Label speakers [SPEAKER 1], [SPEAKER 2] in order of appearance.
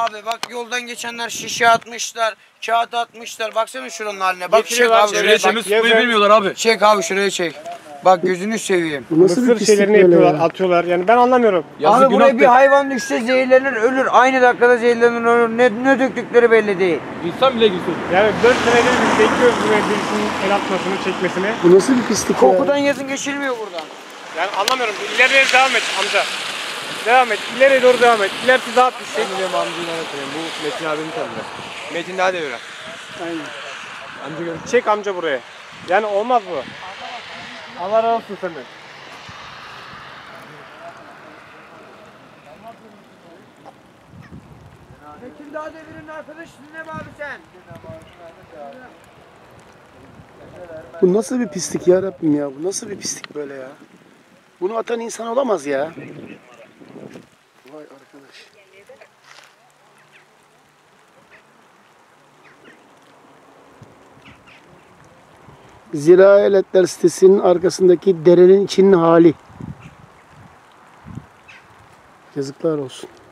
[SPEAKER 1] Abi bak yoldan geçenler şişe atmışlar, kağıt atmışlar. Baksana şuranın haline. Bak çek abi şuraya.
[SPEAKER 2] Temiz tutmayı bilmiyorlar abi.
[SPEAKER 1] Çek abi şuraya çek. Bak gözünü seveyim.
[SPEAKER 3] Bu nasıl bir
[SPEAKER 4] Mısır
[SPEAKER 3] pislik
[SPEAKER 4] şeylerini
[SPEAKER 3] böyle
[SPEAKER 4] yapıyorlar,
[SPEAKER 3] ya?
[SPEAKER 4] atıyorlar. Yani ben anlamıyorum.
[SPEAKER 1] Abi buraya bir hayvan düşse zehirlenir ölür. Aynı dakikada zehirlenir ölür. Ne döktükleri belli değil.
[SPEAKER 2] İnsan bile gülsün.
[SPEAKER 4] Yani 4 senedir biz bekliyoruz buraya birisinin el atmasını, çekmesini.
[SPEAKER 3] Bu nasıl bir pislik
[SPEAKER 1] Kokudan
[SPEAKER 3] ya?
[SPEAKER 1] yazın geçilmiyor buradan.
[SPEAKER 4] Yani anlamıyorum. İleriye devam et amca. Devam et. İleriye doğru devam et. İlerisi daha pis.
[SPEAKER 5] Ben biliyorum amcayı öğretmenim. Bu Metin abimi tanıyor. Metin daha devre.
[SPEAKER 3] Aynen.
[SPEAKER 5] Amca gör.
[SPEAKER 4] Çek amca buraya. Yani olmaz bu. Allah razı olsun senden.
[SPEAKER 1] Metin Dağ Devri'nin arkadaşısın ne be abi sen?
[SPEAKER 3] Bu nasıl bir pislik ya Rabbim ya? Bu nasıl bir pislik böyle ya? Bunu atan insan olamaz ya. Vay arkadaş. Ziraat Aletler sitesinin arkasındaki derenin içinin hali. Yazıklar olsun.